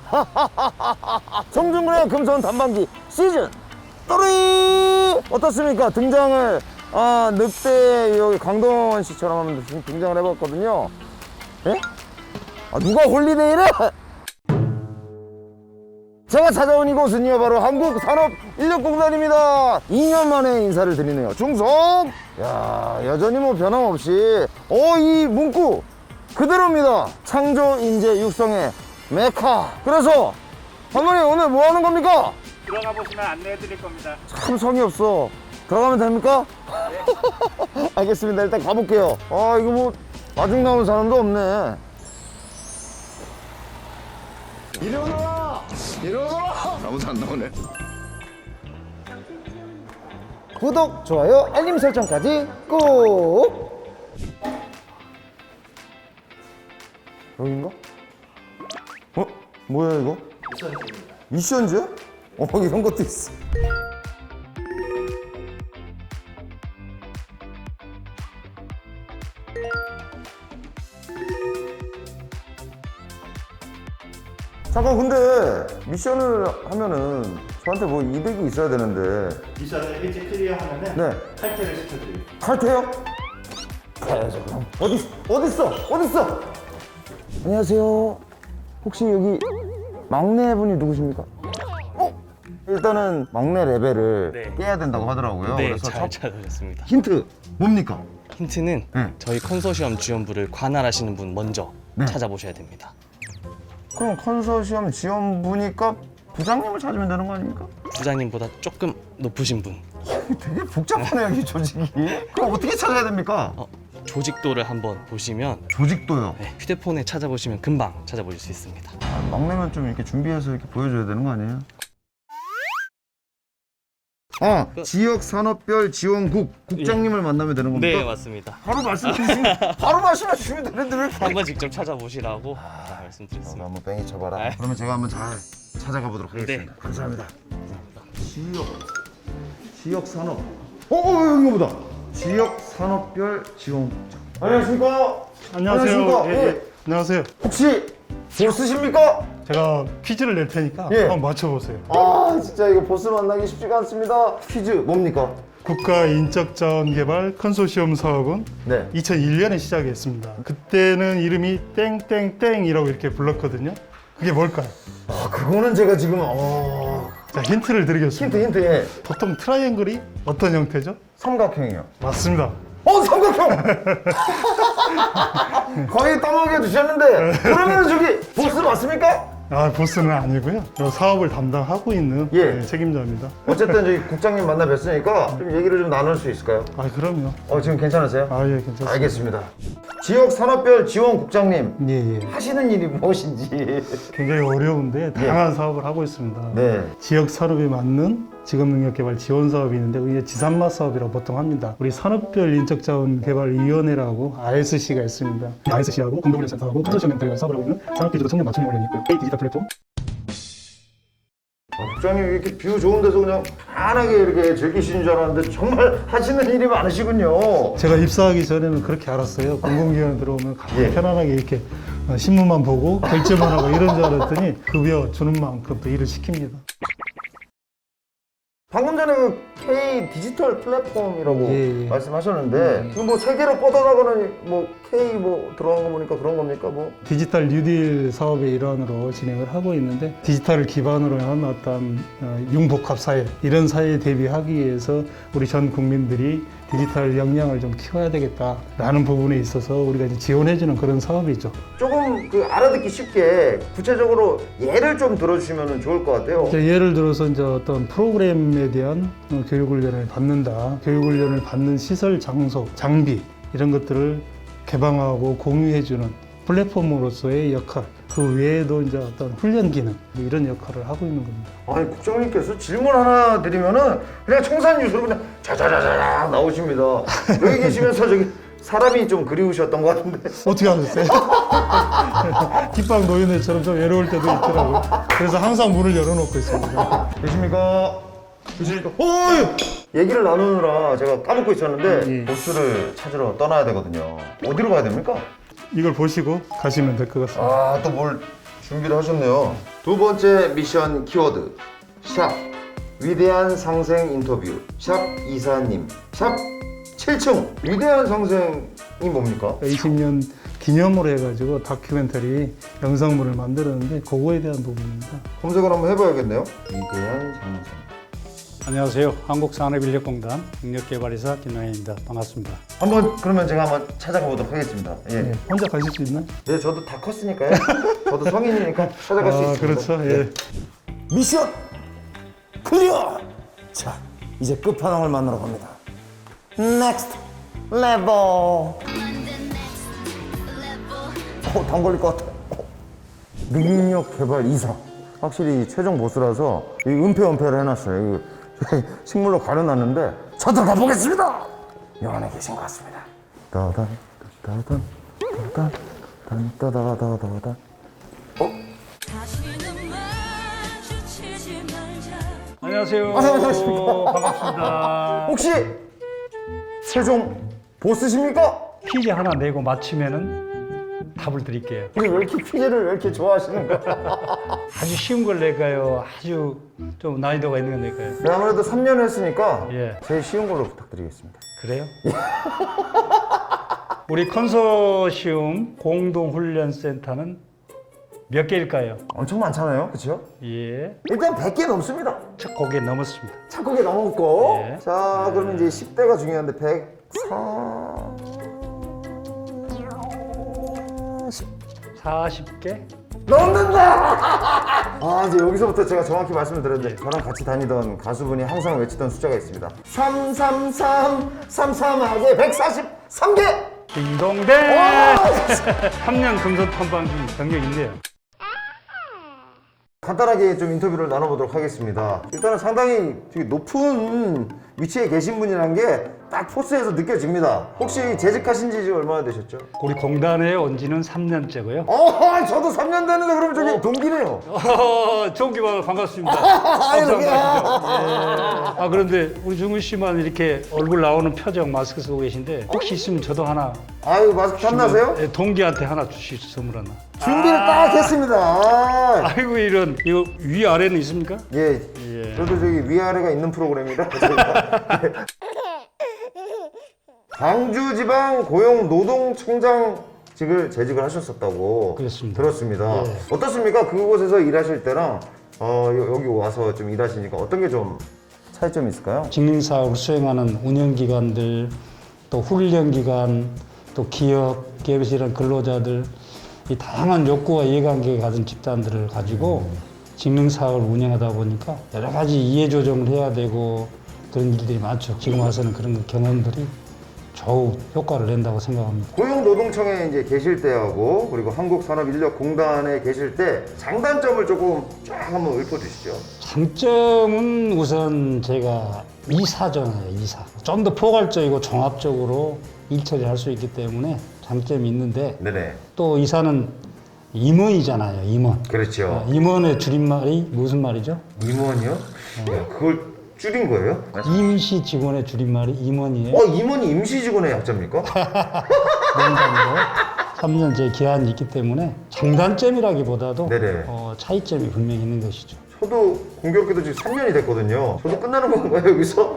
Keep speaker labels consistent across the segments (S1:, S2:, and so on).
S1: 정중근의 금손 단방기 시즌 3 어떻습니까? 등장을 늑대 여기 강동원 씨처럼 하면 등장을 해봤거든요. 예? 누가 홀리데이래? 제가 찾아온 이곳은요 바로 한국산업인력공단입니다. 2년 만에 인사를 드리네요. 중성! 야, 여전히 뭐 변함없이 이 문구 그대로입니다. 창조인재 육성의 메카. 그래서 감독님 오늘 뭐 하는 겁니까?
S2: 들어가 보시면 안내해 드릴 겁니다.
S1: 참 성의 없어. 들어가면 됩니까? 네. 알겠습니다. 일단 가볼게요. 이거 뭐 마중 나오는 사람도 없네. 이리 오너라! 이리 오너라!
S3: 아무도 안 나오네.
S1: 구독, 좋아요, 알림 설정까지 꼭! 여긴가? 뭐야 이거? 미션즈입니다. 미션즈? 이런 것도 있어. 잠깐, 근데 미션을 하면은 저한테 뭐 이득이 있어야 되는데.
S2: 미션을 일찍 클리어하면은
S1: 네.
S2: 탈퇴를 시켜드립니다.
S1: 탈퇴요? 가야죠 그럼. 어딨어? 안녕하세요. 혹시 여기 막내분이 누구십니까? 일단은 막내 레벨을
S4: 네.
S1: 깨야 된다고 하더라고요.
S4: 네,
S1: 그래서
S4: 잘 찾으셨습니다.
S1: 힌트 뭡니까?
S4: 힌트는
S1: 네.
S4: 저희 컨소시엄 지원부를 관할하시는 분 먼저
S1: 네.
S4: 찾아보셔야 됩니다.
S1: 그럼 컨소시엄 지원부니까 부장님을 찾으면 되는 거 아닙니까?
S4: 부장님보다 조금 높으신 분,
S1: 되게 복잡하네요, 이 조직이. 그럼 어떻게 찾아야 됩니까?
S4: 조직도를 한번 보시면
S1: 조직도요.
S4: 네, 휴대폰에 찾아보시면 금방 찾아보실 수 있습니다.
S1: 막내면 좀 이렇게 준비해서 이렇게 보여줘야 되는 거 아니에요? 지역 산업별 지원국 국장님을 만나면 되는 겁니까?
S4: 네, 맞습니다.
S1: 바로 말씀해 주시면 되는데 왜 이렇게
S4: 한번 직접 찾아보시라고 말씀드렸습니다.
S1: 한번 뺑이 쳐봐라.
S4: 네.
S1: 그러면 제가 한번 잘 찾아가 보도록 하겠습니다.
S4: 네.
S1: 감사합니다. 지역 산업. 여기 보다. 지역 산업별 지원국장. 안녕하십니까?
S5: 안녕하세요.
S1: 예.
S5: 안녕하세요.
S1: 혹시 보스십니까?
S5: 제가 퀴즈를 낼 테니까
S1: 예.
S5: 한번 맞춰보세요.
S1: 진짜 이거 보스 만나기 쉽지가 않습니다. 퀴즈 뭡니까?
S5: 국가인적자원개발 컨소시엄 사업은
S1: 네.
S5: 2001년에 시작했습니다. 그때는 이름이 땡땡땡이라고 이렇게 불렀거든요. 그게 뭘까요?
S1: 그거는 제가 지금
S5: 자, 힌트를 드리겠습니다.
S1: 힌트 예.
S5: 보통 트라이앵글이 어떤 형태죠?
S1: 삼각형이요.
S5: 맞습니다.
S1: 삼각형! 거의 떠먹여 주셨는데 그러면 저기 보스 맞습니까?
S5: 보스는 아니고요. 이 사업을 담당하고 있는
S1: 예.
S5: 책임자입니다.
S1: 어쨌든 저기 국장님 만나 뵀으니까 좀 얘기를 좀 나눌 수 있을까요?
S5: 그럼요.
S1: 지금 괜찮으세요?
S5: 예, 괜찮습니다.
S1: 알겠습니다. 지역 산업별 지원 국장님
S5: 예.
S1: 하시는 일이 무엇인지.
S5: 굉장히 어려운데 다양한 사업을 하고 있습니다.
S1: 네.
S5: 지역 산업에 맞는 직업능력개발 지원 사업이 있는데 이게 지산마 사업이라고 보통 합니다. 우리 산업별 인적자원개발위원회라고 RSC가 있습니다. RSC하고 공동훈련센터하고 컨소시엄 멘토리가 사업을 하고 있는 산업기지도 청년 맞춤 훈련이 있고요. 디지털 플랫폼.
S1: 국장님 이렇게 뷰 좋은 데서 그냥 편하게 이렇게 즐기시는 줄 알았는데 정말 하시는 일이 많으시군요.
S5: 제가 입사하기 전에는 그렇게 알았어요. 공공기관에 들어오면 가장
S1: 예.
S5: 편안하게 이렇게 신문만 보고 결제만 하고 이런 줄 알았더니 급여 주는 만큼 또 일을 시킵니다.
S1: 방금 전에 그 K 디지털 플랫폼이라고
S5: 예.
S1: 말씀하셨는데 지금 뭐 세계로 뻗어나가는 뭐 K 뭐 들어간 거 보니까 그런 겁니까 뭐?
S5: 디지털 뉴딜 사업의 일환으로 진행을 하고 있는데 디지털을 기반으로 한 어떤 융복합 사회 이런 사회에 대비하기 위해서 우리 전 국민들이 디지털 역량을 좀 키워야 되겠다라는 부분에 있어서 우리가 이제 지원해주는 그런 사업이죠.
S1: 조금 그 알아듣기 쉽게 구체적으로 예를 좀 들어주시면 좋을 것 같아요.
S5: 예를 들어서 이제 어떤 프로그램에 대한 교육훈련을 받는다. 교육훈련을 받는 시설, 장소, 장비 이런 것들을 개방하고 공유해주는 플랫폼으로서의 역할. 그 외에도 이제 어떤 훈련 기능 이런 역할을 하고 있는 겁니다.
S1: 아니 국장님께서 질문 하나 드리면은 그냥 청산유수로 그냥 자자자자 나오십니다. 여기 계시면서 저기 사람이 좀 그리우셨던 것 같은데.
S5: 어떻게 하셨어요? 뒷방 노인네처럼 좀 외로울 때도 있더라고요. 그래서 항상 문을 열어놓고 있습니다.
S1: 계십니까? 얘기를 나누느라 제가 까먹고 있었는데
S5: 예.
S1: 보스를 찾으러 떠나야 되거든요. 어디로 가야 됩니까?
S5: 이걸 보시고 가시면 될 것 같습니다.
S1: 또 뭘 준비를 하셨네요. 두 번째 미션 키워드 샵 위대한 상생 인터뷰 샵 이사님 샵 7층 위대한 상생이 뭡니까?
S5: 20년 기념으로 해가지고 다큐멘터리 영상물을 만들었는데 그거에 대한 부분입니다.
S1: 검색을 한번 해봐야겠네요. 위대한 상생.
S3: 안녕하세요. 한국산업인력공단 능력개발이사 김영혜입니다. 반갑습니다.
S1: 한번 그러면 제가 한번 찾아가 보도록 하겠습니다. 예.
S5: 네, 혼자 가실 수 있나요?
S1: 네, 저도 다 컸으니까요. 저도 성인이니까 찾아갈 수 있습니다.
S5: 그렇죠. 예.
S1: 미션 클리어! 자, 이제 끝판왕을 만나러 갑니다. 넥스트 레벨. 당 걸릴 것 같아. 능력 개발 이사. 확실히 최종 보스라서 이 은폐를 해놨어요. 이 식물로 가려놨는데 저도 가보겠습니다. 요 안에 계신 것 같습니다. 따단 따단 따단 따단 따단 따단.
S3: 안녕하세요.
S1: 안녕하십니까.
S3: 반갑습니다.
S1: 혹시 최종 보스십니까?
S3: 퀴즈 하나 내고 맞히면은 답을 드릴게요.
S1: 왜 이렇게 퀴즈를 왜 이렇게 좋아하시는 거야?
S3: 아주 쉬운 걸 낼까요? 아주 좀 난이도가 있는 걸 낼까요?
S1: 네, 아무래도 3년 했으니까
S3: 예.
S1: 제일 쉬운 걸로 부탁드리겠습니다.
S3: 그래요? 우리 컨소시움 공동훈련센터는 몇 개일까요?
S1: 엄청 많잖아요, 그렇죠?
S3: 예.
S1: 일단 100개 넘습니다.
S3: 첫 곡에 넘었습니다.
S1: 착하게 넘었고
S3: 예.
S1: 자 그러면 이제 10대가 중요한데
S3: 40개?
S1: 넘는다! 아 이제 여기서부터 제가 정확히 말씀을 드렸는데 저랑 같이 다니던 가수분이 항상 외치던 숫자가 있습니다. 333 33하게 143개!
S3: 딩동댕! 3년 금속 탐방중 경력인데요.
S1: 간단하게 좀 인터뷰를 나눠보도록 하겠습니다. 일단은 상당히 되게 높은 위치에 계신 분이라는 게 딱 포스에서 느껴집니다. 혹시 재직하신 지 얼마나 되셨죠?
S3: 우리 공단에 온 지는 3년째고요.
S1: 저도 3년 됐는데 그러면 저기 동기네요.
S3: 좋은 반갑습니다.
S1: 이렇게.
S3: 아 그런데 우리 중훈 씨만 이렇게 얼굴 나오는 표정 마스크 쓰고 계신데 혹시 있으면 저도 하나
S1: 아유 마스크 탐나세요?
S3: 예, 동기한테 하나 주시죠 선물 하나.
S1: 준비를 딱 했습니다.
S3: 아이고 이런 이거 위 아래는 있습니까?
S1: 예,
S3: 예.
S1: 저도 저기 위아래가 있는 프로그램이라 저희가. 예. 광주지방고용노동청장직을 재직을 하셨었다고
S3: 그렇습니다.
S1: 들었습니다.
S3: 예.
S1: 어떻습니까? 그곳에서 일하실 때랑 여기 와서 좀 일하시니까 어떤 게 좀 차이점이 있을까요?
S3: 직능사업을 수행하는 운영기관들 또 훈련기관 또 기업에서 일하는 근로자들 이 다양한 욕구와 이해관계가 가진 집단들을 가지고 직능사업을 운영하다 보니까 여러 가지 이해조정을 해야 되고 그런 일들이 많죠. 지금 와서는 그런 경험들이 좌우 효과를 낸다고 생각합니다.
S1: 고용노동청에 이제 계실 때하고 그리고 한국산업인력공단에 계실 때 장단점을 조금 쫙 한번 읊어주시죠.
S3: 장점은 우선 제가 이사잖아요, 이사. 좀 더 포괄적이고 종합적으로 일 처리할 수 있기 때문에 장점이 있는데
S1: 네네.
S3: 또 이사는 임원이잖아요, 임원.
S1: 그렇죠.
S3: 임원의 줄임말이 무슨 말이죠?
S1: 임원이요? 야, 그걸 줄인 거예요?
S3: 임시 직원의 줄임말이 임원이에요.
S1: 임원이 임시직원의 약자입니까?
S3: 농담으로 3년 제 기한이 있기 때문에 장단점이라기보다도
S1: 네네.
S3: 차이점이 분명히 있는 것이죠.
S1: 저도 공교롭게도 지금 3년이 됐거든요. 저도 끝나는 건가요, 여기서?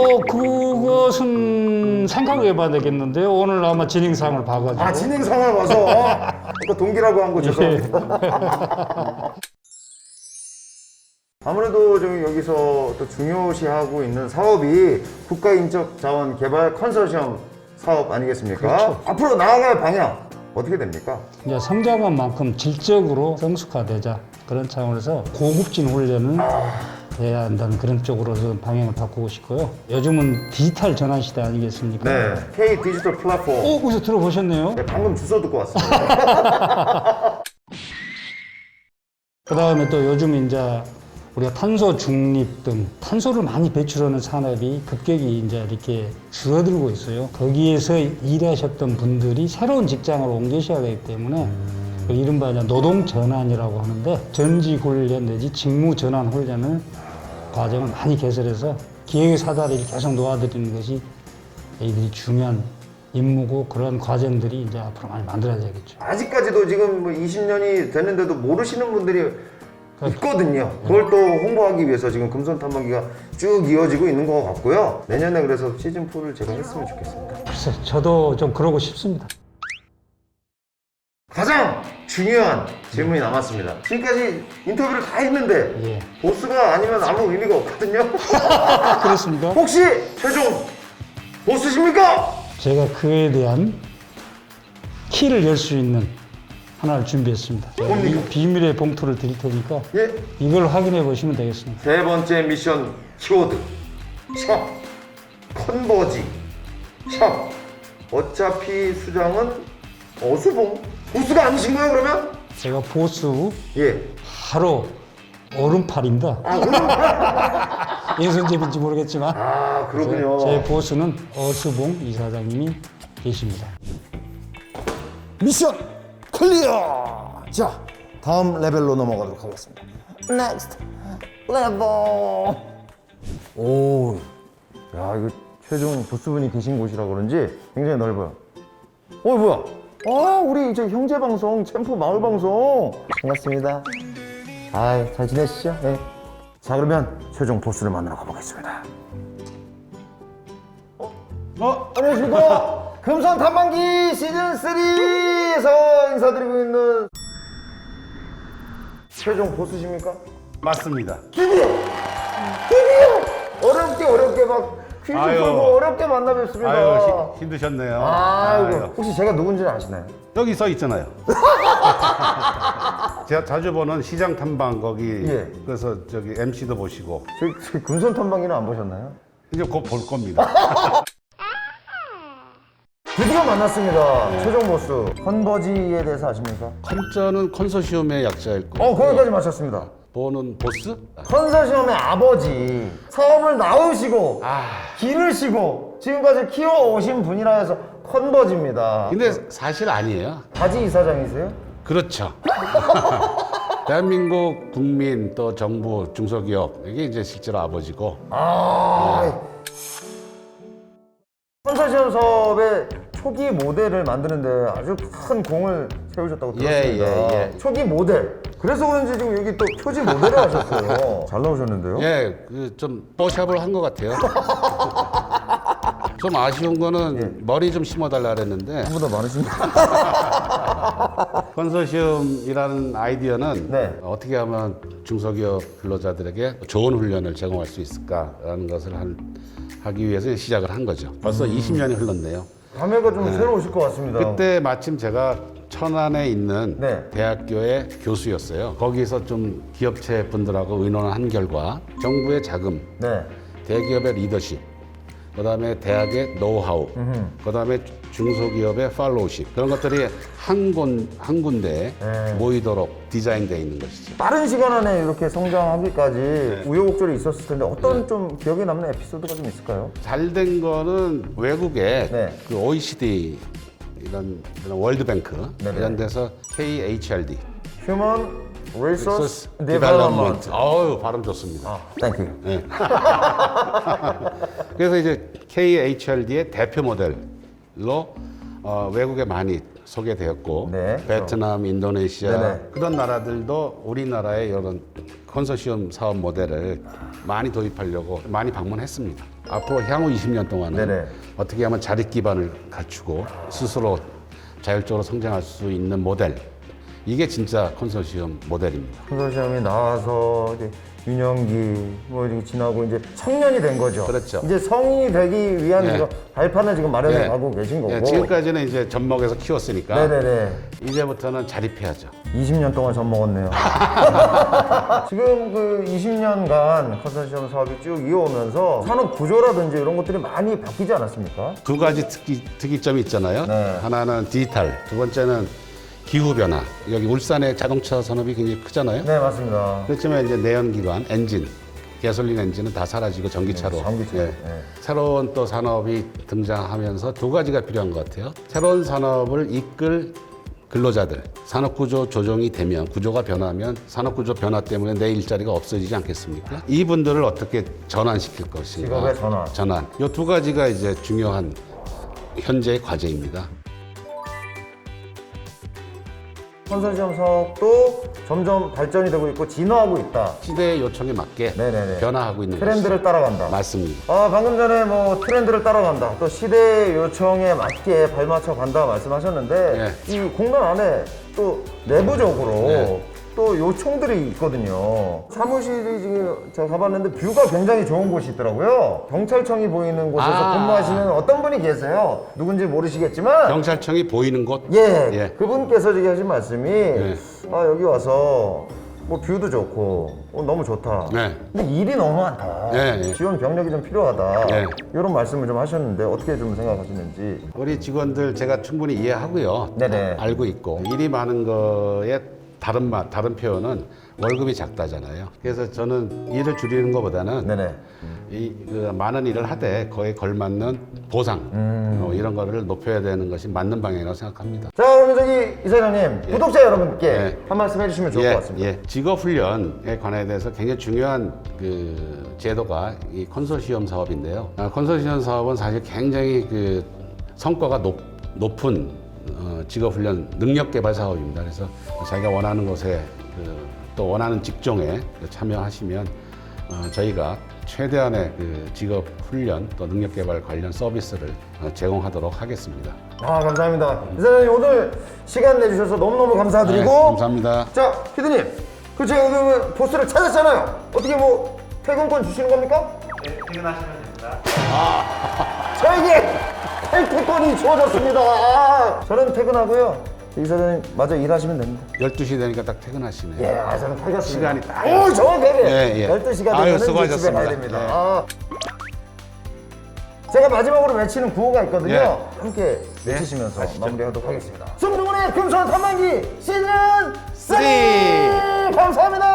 S3: 그것은 생각을 해봐야 되겠는데요. 오늘 아마 진행상을 봐가지고.
S1: 진행 상황을 봐서 아까 동기라고 한 거 죄송합니다. 아무래도 좀 여기서 또 중요시하고 있는 사업이 국가인적자원 개발 컨소시엄 사업 아니겠습니까?
S3: 그렇죠.
S1: 앞으로 나아갈 방향 어떻게 됩니까?
S3: 이제 성장한 만큼 질적으로 성숙화되자 그런 차원에서 고급진 훈련을 해야 한다는 그런 쪽으로 좀 방향을 바꾸고 싶고요. 요즘은 디지털 전환 시대 아니겠습니까?
S1: 네, K 디지털 플랫폼.
S3: 거기서 들어보셨네요.
S1: 네, 방금 주소 듣고 왔습니다.
S3: 그 다음에 또 요즘 이제 우리가 탄소 중립 등 탄소를 많이 배출하는 산업이 급격히 이제 이렇게 줄어들고 있어요. 거기에서 일하셨던 분들이 새로운 직장으로 옮기셔야 되기 때문에 그 이른바 이제 노동 전환이라고 하는데 전직 훈련 내지 직무 전환 훈련을 과정을 많이 개설해서 기획 사다리를 계속 놓아드리는 것이 이들이 중요한 임무고 그런 과정들이 이제 앞으로 많이 만들어져야겠죠.
S1: 아직까지도 지금 뭐 20년이 됐는데도 모르시는 분들이 있거든요. 그걸 또 홍보하기 위해서 지금 금손 탐방기가 쭉 이어지고 있는 것 같고요. 내년에 그래서 시즌4를 제가 했으면 좋겠습니다.
S3: 글쎄, 저도 좀 그러고 싶습니다.
S1: 가장 중요한 질문이 남았습니다. 지금까지 인터뷰를 다 했는데
S3: 예.
S1: 보스가 아니면 아무 의미가 없거든요.
S3: 그렇습니까?
S1: 혹시 최종 보스십니까?
S3: 제가 그에 대한 키를 열 수 있는 하나를 준비했습니다. 이 비밀의 봉투를 드릴 테니까
S1: 예.
S3: 이걸 확인해 보시면 되겠습니다.
S1: 세 번째 미션 키워드 샵 컨버지 샵 어차피 수장은 어수봉 보스가 아니신 거예요 그러면?
S3: 제가 보스
S1: 예.
S3: 바로 오른팔입니다. 예선제인지 모르겠지만
S1: 아 그렇군요.
S3: 제 보스는 어수봉 이사장님이 계십니다.
S1: 미션 클리어. 자 다음 레벨로 넘어가도록 하겠습니다. Next level. 오, 야 이거 최종 보스분이 계신 곳이라 그런지 굉장히 넓어요. 뭐야? 아 우리 저 형제 방송 챔프 마을 방송 반갑습니다. 잘 지내시죠? 네. 자 그러면 최종 보스를 만나러 가보겠습니다. 안녕하십니까? 금손 탐방기 시즌 3에서 인사드리고 있는 최종 보스십니까?
S6: 맞습니다.
S1: 드디어 어렵게 막 퀴즈
S6: 아유.
S1: 풀고 어렵게 만나 뵙습니다.
S6: 아유, 힘드셨네요.
S1: 아이고
S6: 아유.
S1: 혹시 제가 누군지는 아시나요?
S6: 여기 써 있잖아요. 제가 자주 보는 시장 탐방 거기
S1: 예.
S6: 그래서 저기 MC도 보시고
S1: 저희 금손 탐방기는 안 보셨나요?
S6: 이제 곧 볼 겁니다.
S1: 드디어 만났습니다. 최종 보스 컨버지에 대해서 아십니까?
S6: 컨저는 컨소시엄의 약자일 거고
S1: 거기까지 맞췄습니다.
S6: 보는 보스?
S1: 컨소시엄의 아버지 사업을 낳으시고 기르시고 지금까지 키워오신 분이라 해서 컨버지입니다.
S6: 근데 사실 아니에요.
S1: 바지 이사장이세요?
S6: 그렇죠. 대한민국 국민 또 정부 중소기업 이게 이제 실제로 아버지고
S1: 컨소시엄 사업의 초기 모델을 만드는데 아주 큰 공을 세우셨다고 들었습니다.
S6: 예.
S1: 초기 모델. 그래서 그런지 지금 여기 또 표지 모델을 하셨어요. 잘 나오셨는데요?
S6: 예, 좀 뽀샵을 한 것 같아요. 좀 아쉬운 거는 머리 좀 심어달라 그랬는데
S1: 한보다 많으십니다.
S6: 컨소시엄이라는 아이디어는
S1: 네.
S6: 어떻게 하면 중소기업 근로자들에게 좋은 훈련을 제공할 수 있을까라는 것을 하기 위해서 시작을 한 거죠. 벌써 20년이 흘렀네요.
S1: 감회가 좀 새로우실 것 같습니다.
S6: 그때 마침 제가 천안에 있는
S1: 네.
S6: 대학교의 교수였어요. 거기서 좀 기업체 분들하고 의논을 한 결과 정부의 자금,
S1: 네.
S6: 대기업의 리더십, 그다음에 대학의 노하우, 그다음에 중소기업의 팔로우십 그런 것들이 한 군데에
S1: 네.
S6: 모이도록 디자인되어 있는 것이죠.
S1: 빠른 시간 안에 이렇게 성장하기까지 우여곡절이 있었을 텐데 어떤 좀 기억에 남는 에피소드가 좀 있을까요?
S6: 잘 된 거는 외국에
S1: 네.
S6: 그 OECD 이런 월드뱅크
S1: 네네.
S6: 이런 데서 KHRD
S1: Human Resource
S6: Development.
S1: Development.
S6: 어우 발음 좋습니다.
S1: 땡큐.
S6: 네. 그래서 이제 KHRD의 대표 모델로 외국에 많이 소개되었고
S1: 네,
S6: 베트남, 인도네시아
S1: 네네.
S6: 그런 나라들도 우리나라의 이런 컨소시엄 사업 모델을 많이 도입하려고 많이 방문했습니다. 앞으로 향후 20년 동안은
S1: 네네.
S6: 어떻게 하면 자립 기반을 갖추고 스스로 자율적으로 성장할 수 있는 모델 이게 진짜 컨소시엄 모델입니다.
S1: 컨소시엄이 나와서 이제 유년기 뭐 이렇게 지나고 이제 청년이 된 거죠.
S6: 그렇죠.
S1: 이제 성인이 되기 위한
S6: 네.
S1: 이거 발판을 지금 마련해
S6: 예.
S1: 가고 계신 거고.
S6: 예, 지금까지는 이제 젖먹여서 키웠으니까
S1: 네네네.
S6: 이제부터는 자립해야죠.
S1: 20년 동안 젖 먹었네요. 지금 그 20년간 컨소시엄 사업이 쭉 이어오면서 산업 구조라든지 이런 것들이 많이 바뀌지 않았습니까?
S6: 두 가지 특이점이 있잖아요.
S1: 네.
S6: 하나는 디지털, 두 번째는 기후 변화. 여기 울산의 자동차 산업이 굉장히 크잖아요.
S1: 네, 맞습니다.
S6: 그렇지만 이제 내연기관, 엔진, 가솔린 엔진은 다 사라지고 전기차로.
S1: 네, 전기차로.
S6: 예.
S1: 네.
S6: 새로운 또 산업이 등장하면서 두 가지가 필요한 것 같아요. 새로운 산업을 이끌 근로자들, 산업구조 조정이 되면, 구조가 변하면 산업구조 변화 때문에 내 일자리가 없어지지 않겠습니까? 이분들을 어떻게 전환시킬 것인가.
S1: 직업의 전환.
S6: 이 두 가지가 이제 중요한 현재의 과제입니다.
S1: 컨소시엄 사업도 점점 발전이 되고 있고 진화하고 있다.
S6: 시대의 요청에 맞게
S1: 네네네.
S6: 변화하고 있는
S1: 트렌드를
S6: 것이
S1: 따라간다.
S6: 맞습니다.
S1: 방금 전에 뭐 트렌드를 따라간다. 또 시대의 요청에 맞게 발맞춰 간다 말씀하셨는데 이 공단 안에 또 내부적으로
S6: 네.
S1: 또 요청들이 있거든요. 사무실이 지금 제가 가봤는데 뷰가 굉장히 좋은 곳이 있더라고요. 경찰청이 보이는 곳에서 근무하시는 어떤 분이 계세요. 누군지 모르시겠지만
S6: 경찰청이 보이는 곳.
S1: 예, 그분께서 지금 하신 말씀이
S6: 예.
S1: 여기 와서 뭐 뷰도 좋고 너무 좋다.
S6: 네.
S1: 근데 일이 너무 많다.
S6: 예.
S1: 지원 병력이 좀 필요하다.
S6: 예.
S1: 이런 말씀을 좀 하셨는데 어떻게 좀 생각하시는지.
S6: 우리 직원들 제가 충분히 이해하고요.
S1: 네네.
S6: 알고 있고 일이 많은 거에 다른 표현은 월급이 작다잖아요. 그래서 저는 일을 줄이는 것보다는
S1: 네네.
S6: 그 많은 일을 하되 거기에 걸맞는 보상 이런 거를 높여야 되는 것이 맞는 방향이라고 생각합니다.
S1: 자, 그러면 저기 이사장님 구독자 여러분께
S6: 예.
S1: 한 말씀 해주시면 좋을 것 같습니다.
S6: 직업훈련에 관해 대해서 굉장히 중요한 그 제도가 이 컨소시엄 사업인데요. 컨소시엄 사업은 사실 굉장히 그 성과가 높은 직업훈련 능력개발 사업입니다. 그래서 자기가 원하는 곳에 또 원하는 직종에 참여하시면 저희가 최대한의 그 직업훈련 또 능력개발 관련 서비스를 제공하도록 하겠습니다.
S1: 감사합니다. 이사장님 오늘 시간 내주셔서 너무너무 감사드리고.
S6: 네, 감사합니다.
S1: 자, 피디님, 그 제가 그 보스를 찾았잖아요. 어떻게 뭐 퇴근권 주시는 겁니까?
S2: 네, 퇴근하시면 됩니다.
S1: 저에게 탈퇴권이 주어졌습니다. 저는 퇴근하고요. 이사장님 마저 일하시면 됩니다.
S6: 12시 되니까 딱 퇴근하시네요.
S1: 예, 저는 퇴근했습니다.
S6: 시간이 딱.
S1: 오, 정확하게.
S6: 예.
S1: 12시가
S6: 아유,
S1: 되면 집에
S6: 수고하셨습니다.
S1: 가야 됩니다.
S6: 예.
S1: 제가 마지막으로 외치는 구호가 있거든요.
S6: 예.
S1: 함께 외치시면서
S6: 가시죠.
S1: 마무리하도록 하겠습니다. 손동훈의 금손 탐방기 시즌 3! 감사합니다.